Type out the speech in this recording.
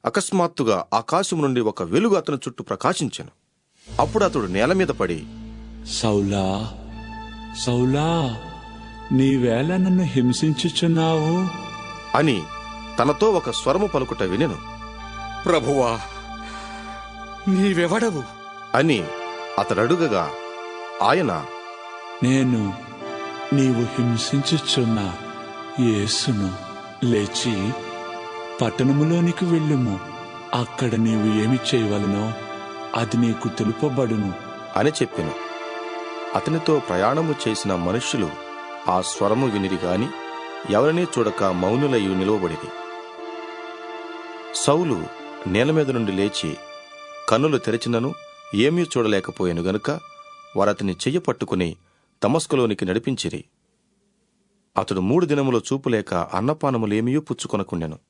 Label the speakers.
Speaker 1: అకస్మాత్తుగా ఆకాశం నుండి ఒక వెలుగు అతని చుట్టూ ప్రకాశించెను. అప్పుడు అతడు నేల మీద పడి,
Speaker 2: సౌలా, సౌలా, నీవేళ నన్ను హింసించుచున్నావు
Speaker 1: అని తనతో ఒక స్వరము పలుకుట వినెను.
Speaker 3: ప్రభువా, నీవెవడవు
Speaker 1: అని అతడడుగగా ఆయన,
Speaker 2: నేను నీవు హింసించుచున్న యేసును. లేచి పట్టణములోనికి వెళ్ళుము. అక్కడ నీవు ఏమి చేయవలనో అది నీకు తెలుపబడును
Speaker 1: అని చెప్పెను. అతనితో ప్రయాణము చేసిన మనుష్యులు ఆ స్వరము వినిరి గాని ఎవరినీ చూడక మౌనులయ్యి నిలువబడిరి. సౌలు నేల మీద నుండి లేచి కన్నులు తెరిచినను ఏమీ చూడలేకపోయాను గనుక వారతని చెయ్యి పట్టుకుని దమస్కులోనికి నడిపించిరి. అతడు 3 దినములు చూపులేక అన్నపానములేమీ పుచ్చుకొనకుండెను.